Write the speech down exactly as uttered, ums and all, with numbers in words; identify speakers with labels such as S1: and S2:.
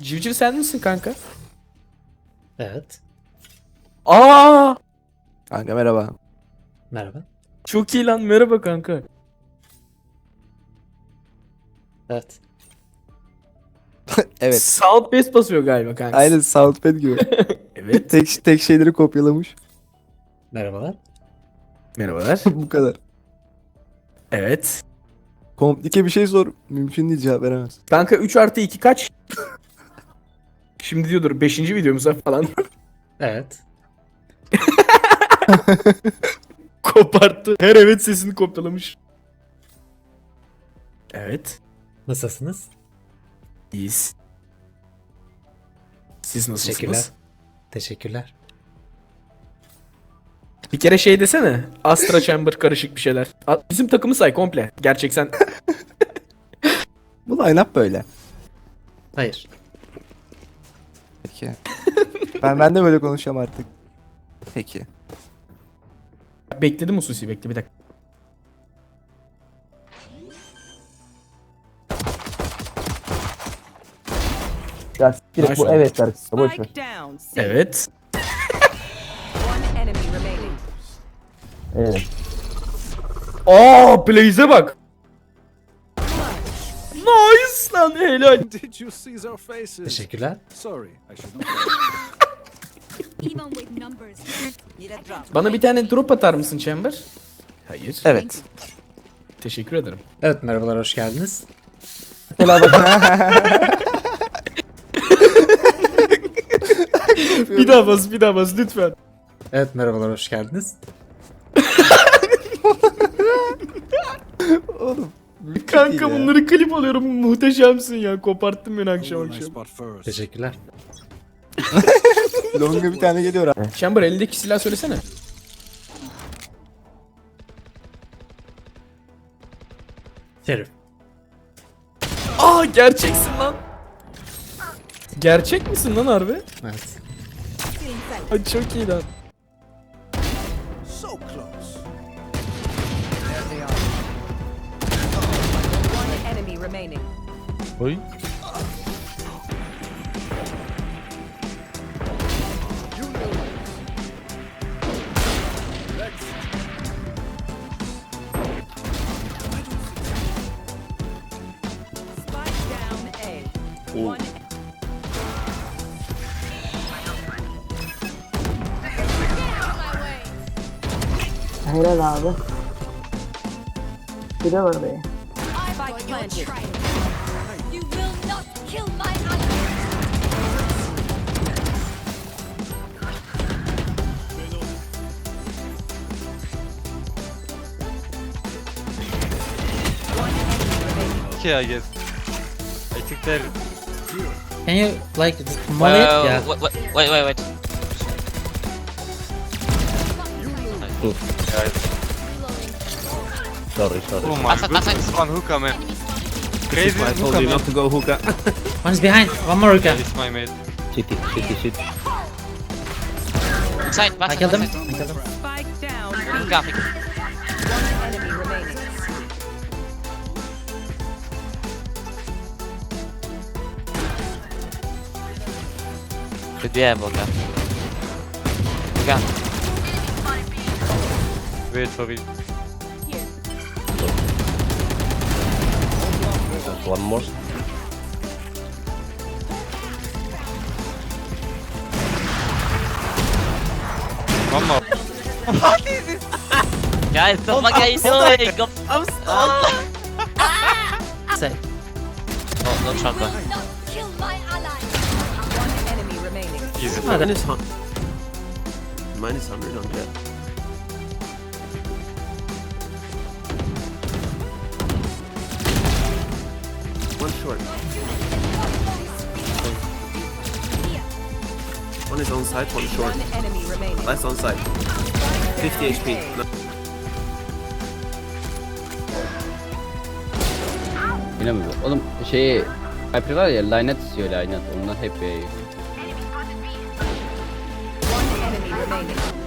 S1: Civciv sen misin kanka?
S2: Evet.
S1: Aa!
S3: Kanka merhaba.
S2: Merhaba.
S1: Çok iyi lan, merhaba kanka.
S2: Evet.
S3: Evet.
S1: Sound bass basıyor galiba kanka.
S3: Aynen Soundpad gibi.
S1: Evet.
S3: tek tek şeyleri kopyalamış.
S2: Merhabalar.
S1: Merhabalar.
S3: Bu kadar.
S1: Evet.
S3: Komplike bir şey sor. Mümkün değil, cevap veremez.
S1: Kanka üç artı iki kaç? Şimdi diyordur beşinci videomuza falan.
S2: Evet.
S1: Koparttı. Her evet sesini kopyalamış. Evet.
S2: Nasılsınız?
S1: İyiyiz. Siz
S2: Teşekkürler.
S1: nasılsınız?
S2: Teşekkürler.
S1: Bir kere şey desene. Astra Chamber karışık bir şeyler. A- Bizim takımı say komple. Gerçek sen.
S3: Bu line-up böyle.
S2: Hayır.
S3: Peki. ben ben de böyle konuşacağım artık. Peki.
S1: Bekledim Ususi, bekle bir dakika.
S4: Ya siktir
S1: Nice
S4: bu
S1: one.
S4: evet şarkısı boş ver.
S5: Spike down. C.
S1: Evet.
S5: One enemy remaining.
S4: Evet.
S1: Aa, Blaze'e bak. Nice lan, helal.
S6: Did you see their faces?
S2: Teşekkürler.
S6: Sorry, I should not.
S7: Even with numbers.
S5: Need a drop.
S1: Bana bir tane drop atar mısın Chamber? Hayır.
S3: Evet.
S1: Teşekkür ederim.
S2: Evet, merhabalar, hoş geldiniz.
S4: Mesela bak
S1: Bir daha bas, bir daha bas lütfen.
S2: Evet, merhabalar, hoş geldiniz.
S3: Oğlum.
S1: Kanka bunları klip alıyorum, muhteşemsin ya. Koparttın beni akşam
S6: Who will I
S1: akşam.
S6: spot first?
S2: Teşekkürler.
S3: Longa bir tane geliyor abi.
S1: Chamber, elindeki silah söylesene.
S2: Şerif.
S1: Aa, gerçeksin lan. Gerçek misin lan harbi?
S2: Evet.
S1: Ay çok iyi lan.
S6: So close.
S5: One enemy remaining.
S2: Oy.
S5: Spike down A. One.
S4: helal abi. Bir de var be.
S7: I've got your
S5: planted.
S7: trail. You will not kill my ally.
S8: Okay, I guess. I think they're.
S2: Can you like molly it?
S8: Uh,
S2: Yeah.
S8: wait, wait, wait, wait.
S4: Sorry sorry.
S8: Oh my
S9: Asad,
S8: goodness,
S9: Asad.
S8: one hookah, man. Crazy
S4: I told
S8: hookah,
S4: you
S8: man.
S4: not to go hookah.
S2: One is behind. One more hookah.
S8: It's my mate.
S4: Shitty shitty shit.
S9: Inside, back
S2: I killed him. I
S9: side.
S2: killed him.
S5: Spike down. B.
S9: Hookah, hookah.
S5: One enemy remaining.
S9: Should be able to. Hookah.
S8: Wait for it.
S4: One more.
S8: One more.
S9: Guys, what the fuck are you doing? Go-
S2: Say.
S9: Oh, no shotgun.
S7: Will not kill my ally.
S5: One enemy remaining.
S8: Easy.
S2: Hadi.
S4: Minus hun- minus hundred on that. One short. One is on side, one short.
S5: One enemy remaining.
S4: Last on side. fifty H P. No.
S10: Yine mi bu? Oğlum şeyi Hyper var ya, lanet istiyor, lanet. Onlar hep e,
S5: One enemy remaining.